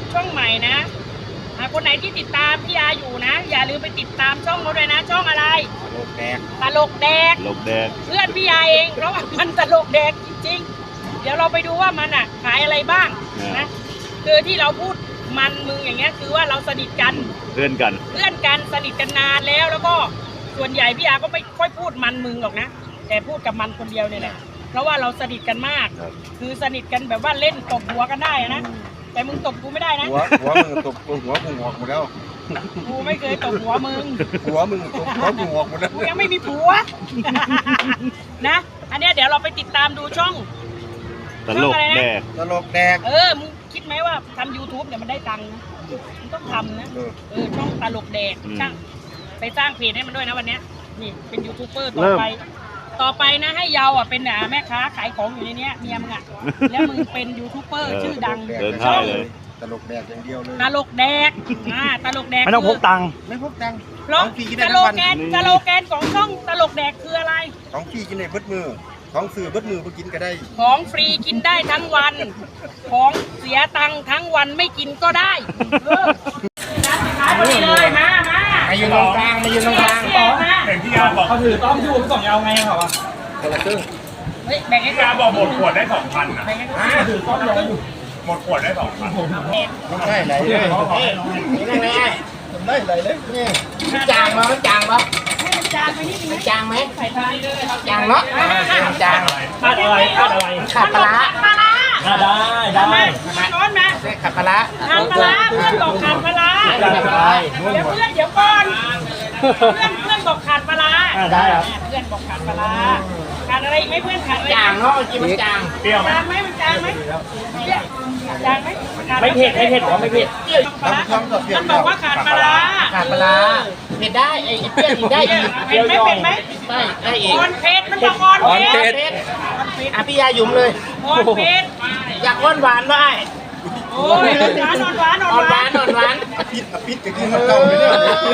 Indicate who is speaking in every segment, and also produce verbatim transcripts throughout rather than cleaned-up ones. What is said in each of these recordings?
Speaker 1: ช่องใหม่นะคนไหนที่ติดตามพี่อาอยู่นะอย่าลืมไปติดตามช่องเขาด้วยนะช่องอะไร
Speaker 2: ตลกแดก
Speaker 1: ตลกแดก
Speaker 2: ตลกแดก
Speaker 1: เพื่อนพี่อาเองเพราะว่ามันตลกแดกจริงๆเดี๋ยวเราไปดูว่ามันอ่ะขายอะไรบ้างนะคือที่เราพูดมันมึงอย่างเงี้ยคือว่าเราสนิทกัน
Speaker 2: เพื่อนกัน
Speaker 1: เพื่อนกันสนิทกันนานแล้วแล้วก็ส่วนใหญ่พี่อาก็ไม่ค่อยพูดมันมึงหรอกนะแต่พูดกับมันคนเดียวเนี่ยแหละเพราะว่าเราสนิทกันมากคือสนิทกันแบบว่าเล่นตบหัวกันได้นะแต่มึงตบกูไม่ได้นะ
Speaker 3: หัวหัวมึงตบหัวกูงอกหมดแล้ว
Speaker 1: กูไม่เคยตบหัวมึง
Speaker 3: หัวมึงตบหัวกูงอกหมดแล้ว
Speaker 1: กูยังไม่มีผัวนะอันนี้เดี๋ยวเราไปติดตามดูช่อง
Speaker 2: ตลกแดก
Speaker 3: ตลกแดก
Speaker 1: เออมึงคิดไหมว่าทำ ยูทูบ เนี่ยมันได้ตังค์นะมึงต้องทำนะเออช่องตลกแดกช่างไปสร้างเพจให้มันด้วยนะวันนี้นี่เป็นยูทูบเบอร์ต่อไปต่อไปนะให้เยาอ่ะเป็นแม่ค้าขายของอยู่ในนี้เมียมึงอ่ะแล้วมึงเป็นยูทูบเบอร์ชื่อดัง
Speaker 2: เดินท่าเลย
Speaker 3: ตลกแดกอย่างเดียวเลย
Speaker 1: ตลกแดกอ่าตลกแดก
Speaker 2: ไม่ต้องพกตังค์
Speaker 3: ไม่พกตังค์
Speaker 1: เพราะตลกแกนตลกแกนของช่องตลกแดกคืออะไร
Speaker 3: ของฟรีกินในเบิดมือของสื่อเบิดมือไปกินก็ได้
Speaker 1: ของฟรีกินได้ทั้งวันของเสียตังค์ทั้งวันไม่กินก็ได้ร้านขายพอดีเลยมามา
Speaker 3: มายืนตรงกลางมายืนตรงกลาง
Speaker 1: ต่อมา
Speaker 4: แบ่งที่ยาบอกเขาถือต้องอยู่สองยาวไงเหรอ
Speaker 3: คนละครึ่ง
Speaker 1: เฮ้ยแบ่งให้
Speaker 4: ยาบอกหมดขวดได้สองพันนะ
Speaker 1: ถือต้องเลย
Speaker 4: หมดขวดได้สองพัน
Speaker 3: ต้องได้ไหลเลย
Speaker 5: นี่ไงไง
Speaker 3: ต้องได้ไหลเลยนี่
Speaker 5: จางมั้ยจางมั้ย
Speaker 1: ให้มันจางไปนิดนึง
Speaker 5: จางไหม
Speaker 1: ใส่ทานเลย
Speaker 5: จางเนาะจาง
Speaker 4: ขาดอะไรขาดอะไร
Speaker 5: ขาดปลา
Speaker 1: ปลา
Speaker 4: ได้ได้
Speaker 1: ร้อนนะ
Speaker 5: ขาดปลา
Speaker 1: ขาดปลาเพื่อนบอกขาดปลาเดี๋ยวเพื่อนเดี๋ยวก่อนเพื่อนเพื่อนบอกขาดปลา
Speaker 4: ได้ครับ
Speaker 1: เพื่อนบอกขาดปลาขาดอะไรไหมเพื่อนขาดอะไร
Speaker 5: จางเนาะกินมันจาง
Speaker 4: เปรี้ยวไหม
Speaker 1: จางไหมมันจางไหมจางไหม
Speaker 4: ไม่เผ็ดไม่เผ็ดหรอไม่เผ็ด
Speaker 1: มันบอกว่าขาดปลา
Speaker 5: ขาดปลาเผ็ดได้ไอ้เปรี้ยวอีกได้อีก
Speaker 1: เผ็ดไหมเผ็ดไหม
Speaker 5: ไม่ได้อีก
Speaker 1: อ่อนเผ็ดมันบอกอ่อนเผ็ด
Speaker 5: อ่ะพี่ยาหยุ่มเลย
Speaker 1: อ่อนเผ็ด
Speaker 5: อยากอ้วนหวานได้
Speaker 1: โอ้ยหวานอ่อนหวานอ่อนหวาน
Speaker 5: อ่อนหวาน
Speaker 3: พิษพิษจะกินมันเก่าเลยเนี่ย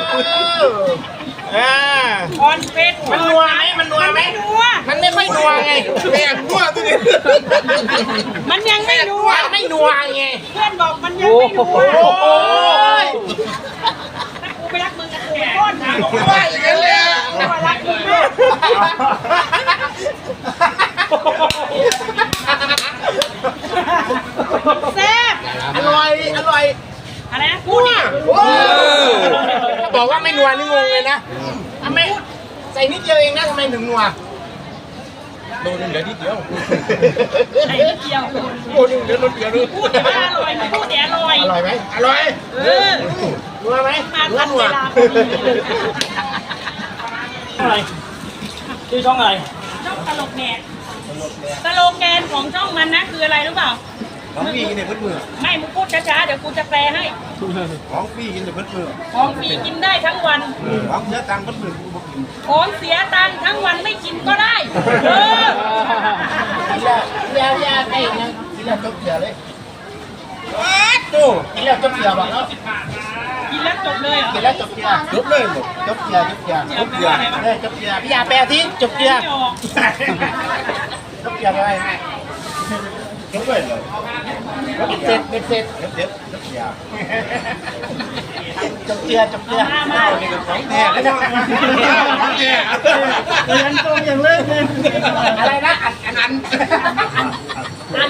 Speaker 5: อ่า
Speaker 1: อ่อนเผ็ด
Speaker 5: มันนัวไหมมันนัวไหมมันไม่ค่อยนัวไง
Speaker 3: แม่นัวตัวนี้
Speaker 1: มันยังไม่นัว
Speaker 5: ไม่นัวไง
Speaker 1: เพื่อนบอกมันยังไม่นัว
Speaker 5: โอ้ย
Speaker 1: กูไปรักมึงกับกูก้อนนะ
Speaker 3: ว่าอย่างนั้นเลย
Speaker 1: กูรักมึงมากแซ่บ
Speaker 5: อร่อยอร่อย
Speaker 1: อะไรนะพูดดิ
Speaker 5: บอกว่าไม่นัวนี่งงเลยนะทำไมใส่นิดเดียวเองนะทำไมถึงนัว
Speaker 3: โดนเหลือนิดเดียว
Speaker 1: ใส่นิดเดียว
Speaker 3: โดนเหลือนิดเดียวเลย
Speaker 1: พูดแต่ว่าอร่อยพูดแต่อร่อย
Speaker 5: อร่อยไหมอร่อย
Speaker 1: เออ
Speaker 5: นัวไหม
Speaker 1: นัวนัว
Speaker 4: อะไรชื่อช่องอะไร
Speaker 1: ช่องตลกแหนกตลกแกนของช่องมันนะคืออะไรรู้เปล่า
Speaker 3: ของฟรีกินในเบิดมือ
Speaker 1: ไม่มึงพูดช้าๆเดี๋ยวกูจะแปลให้
Speaker 3: ของฟรีกินในเบิดมือ
Speaker 1: ของฟรีกินได้ทั้งวัน
Speaker 3: ของเสียตังค์เบิดมือกูบอกกิน
Speaker 1: ของเสียตังค์ทั้งวันไม่กินก็ได้เอ
Speaker 5: อยาวยาวไอ้เนี่ยกินแล้วจบเสียเลยตู้กินแล้วจบเสียบอกแล้ว
Speaker 1: กินแล้วจบเลยเหรอ
Speaker 5: กินแล้วจบเสีย
Speaker 3: จบเลยหมด
Speaker 5: จบเสียจบเสีย
Speaker 3: จบเสีย
Speaker 5: เลยจบเสียพี่ยาแปลที่จบเสียจบเสียไปไหม
Speaker 3: จบเลยเลย
Speaker 5: เสร็จเสร็จ
Speaker 3: เด็ดจบเสีย
Speaker 5: จบเสียจบเสีย
Speaker 1: มามา
Speaker 3: ของแท้เลยนะเนี่ย
Speaker 5: เรียนตรงอย่างเลิศเลยอะไรนะอันอันอัน
Speaker 1: อัน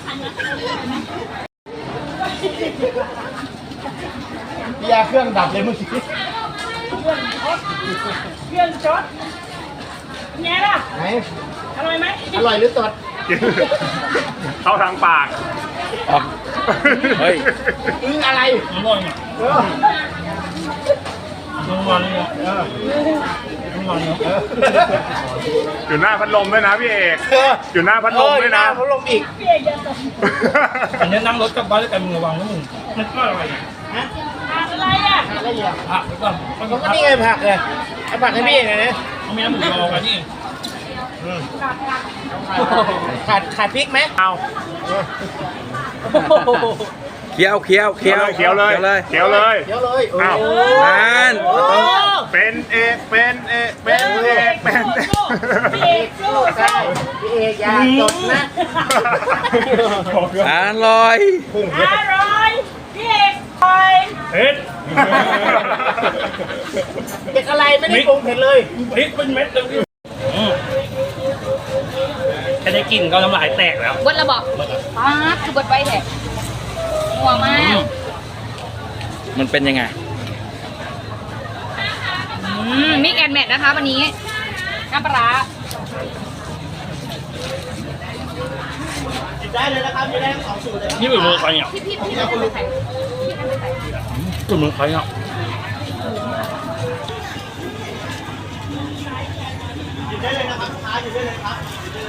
Speaker 5: พี่ยาเครื่องดับเลยเมื่อกี้เค
Speaker 1: รื่องช็อตไงล่ะ
Speaker 5: ไหน
Speaker 1: อร่อยไหม
Speaker 5: อร่อยหรือตด
Speaker 4: เข้าทางปาก
Speaker 5: เฮ้ยอึ้งอะไร
Speaker 4: อร่อยอ่ะ
Speaker 5: เออ
Speaker 4: อร่อยอ่ะเอออร่อยอ่ะอยู่หน้าพัดลมด้วยนะพี่เอกอยู่หน้าพัดลมด้วยนะ
Speaker 5: พัดลมอีก
Speaker 1: พี่เอกอย่าตก
Speaker 4: อันนี้นั่งรถกลับบ้านด้วยกันมึงระวังนะมึงมันก็อะไร
Speaker 5: ฮะ
Speaker 1: อะไรอ่ะ
Speaker 5: อะไรอ่ะ
Speaker 4: ผักก่อน
Speaker 5: มันก็นี่ไงผักเลยไอ้ผักให้พี่เองไงเนี่ย
Speaker 4: ไม่น้ำหมูยอกันนี่
Speaker 5: ขาดขาดพริกไหม
Speaker 4: เอา
Speaker 2: เคี้ยวเคี้ยวเคี้ยว
Speaker 4: เคี้ยวเลยเคี้ยวเลย
Speaker 5: เคี้ยวเลย
Speaker 4: อ้าว
Speaker 2: นั่น
Speaker 4: เป็นเอกเป็นเอกเป็นเอกเป็น
Speaker 1: พี่เอกสู้สู้
Speaker 5: พี่เอกอย่าจดนะ
Speaker 2: อร่อย
Speaker 1: อร่อยพี่เอก
Speaker 5: เด็กอะไรไม่ได้ปรุงเผ็ดเลย
Speaker 1: พริกเป็นเม็ดเลยแค่ได้กลิ่นก็น้ำลายแตกแล้ว
Speaker 6: เบิดระบอกป๊าดคือเบิดไว้แท้หัวมาก
Speaker 2: มันเป็นยังไง
Speaker 6: อืมมิกแอนแมทนะคะวันนี้น้ำปลาร้า
Speaker 5: ได้เลยนะครับจะได้สองสูตรเลย
Speaker 1: นี่เป็นมือใครเนี่ย
Speaker 6: พี่พี่พี่เอาไปใส่พี่เอาไปใส่
Speaker 1: เป็นมือใครเนี่ย
Speaker 5: ได้เลยนะครับลูกค้าอยู่ได้เลยครับ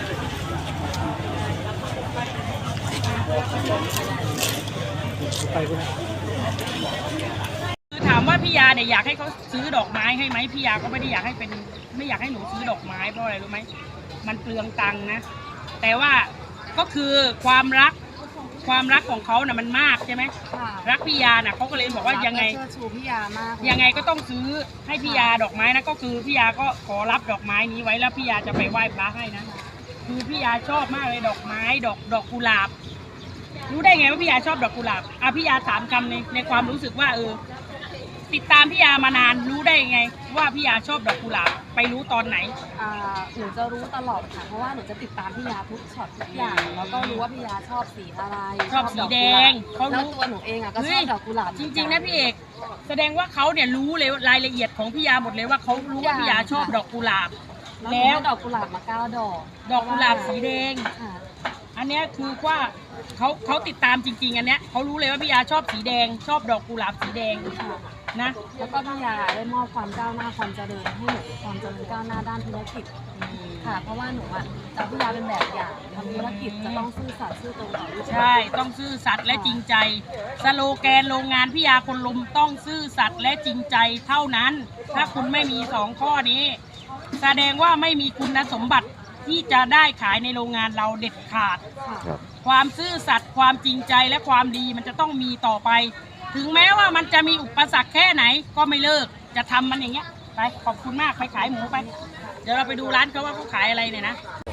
Speaker 1: คือถามว่าพี่ยาเนี่ยอยากให้เขาซื้อดอกไม้ให้ไหมพี่ยาก็ไม่ได้อยากให้เป็นไม่อยากให้หนูซื้อดอกไม้เพราะอะไรรู้ไหมมันเปลืองตังค์นะแต่ว่าก็คือความรักความรักของเขาน่ะมันมากใช่ไหม
Speaker 6: ค่ะ
Speaker 1: รักพี่ยาน่ะเขาก็เลยบอกว่ายังไง
Speaker 6: เชิดชูพี่ยามาก
Speaker 1: ยังไงก็ต้องซื้อให้พี่ยาดอกไม้นะก็คือพี่ยาก็ขอรับดอกไม้นี้ไว้แล้วพี่ยาจะไปไหว้พระให้นะคือพี่ยาชอบมากเลยดอกไม้ดอกดอกกุหลาบรู้ได้ไงว่าพี่ยาชอบดอกกุหลาบอ่ะพี่ยาถามคำในในความรู้สึกว่าเออติดตามพี่ยามานานรู้ได้ไงว่าพี่ยาชอบดอกกุหลาบไปรู้ตอนไหน
Speaker 6: อ่าหนูจะรู้ตลอดค่ะเพราะว่าหนูจะติดตามพี่ยาทุกช็อตทุกอย่างแล้วก็รู้ว่าพี่ยาชอบสีอะไร
Speaker 1: ชอบสีแดงเขารู้
Speaker 6: แล้วตัวหนูเองอ่ะก็ชอบดอกกุหลาบ
Speaker 1: จริงๆนะพี่เอกแสดงว่าเขาเนี่ยรู้เลยรายละเอียดของพี่ยาหมดเลยว่าเขารู้ว่าพี่ยาชอบดอกกุหลาบ
Speaker 6: แล้
Speaker 1: แล้ว ว
Speaker 6: ดอกกุหลาบมาเก้าดอก
Speaker 1: ดอกกุหลาบสีแดง
Speaker 6: ค่ะ
Speaker 1: อันเนี้ยคือว่าเขาเขาติดตามจริง ๆ อันเนี้ยเขารู้เลยว่าพี่ยาชอบสีแดง ชอบดอกกุหลาบสีแดง
Speaker 6: ค่ะ
Speaker 1: นะ
Speaker 6: แล้วก็พี่ยาได้มอบความก้าวหน้าความเจริญให้หนูความเจริญก้าวหน้าด้านธุรกิจค่ะ เพราะว่าหนูอ่ะจะพี่ยาเป็นแบบอย่างทำธุรกิจจะต้องซื่อสัตย์ซื่อตรงต่อลูกค้า
Speaker 1: ใช่ต้องซื่อสัตย์และจริงใจ สโลแกนโรงงานพี่ยาคนลมต้องซื่อสัตย์และจริงใจเท่านั้น ถ้าคุณไม่มีสองข้อนี้ แสดงว่าไม่มีคุณสมบัติที่จะได้ขายในโรงงานเราเด็ดขาด
Speaker 6: ค่ะ
Speaker 1: ความซื่อสัตย์ความจริงใจและความดีมันจะต้องมีต่อไป ถึงแม้ว่ามันจะมีอุปสรรคแค่ไหนก็ไม่เลิกจะทำมันอย่างเงี้ยไปขอบคุณมากไปขายหมูไป เดี๋ยวเราไปดูร้านเขาว่าเขาขายอะไรเนี่ยนะ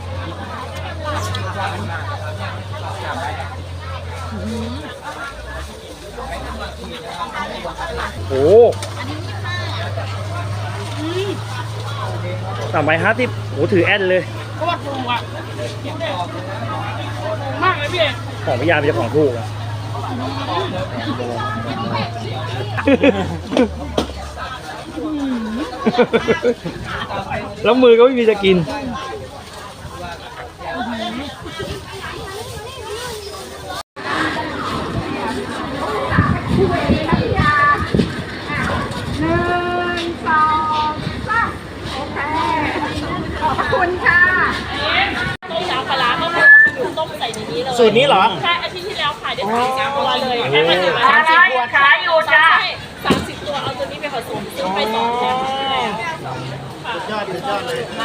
Speaker 7: โอ้สามใบห้าสิบโอ้ถือแอนเลย
Speaker 1: โคตรถูกอ่ะมากเลยพี่เอก
Speaker 7: ของพิยาเป็นเจ้าของถูกอะ แล้วมือก็ไม่มีจะกิน
Speaker 1: ต้มน้ำปลาร้าก็คือต้มใส่ในนี้เลย
Speaker 5: สูตรนี้เหรอ
Speaker 1: ใช่อาทิตย์ที่แล้วขายได้สามสิบตัวเลยแค่มาถึง
Speaker 5: สามสิบตัว
Speaker 1: ขายอยู่จ้าสามสิบตัวเอาตัวนี้ไปผสมซื้อไปสองแถม
Speaker 5: สุดยอดสุดยอดเลย
Speaker 1: ค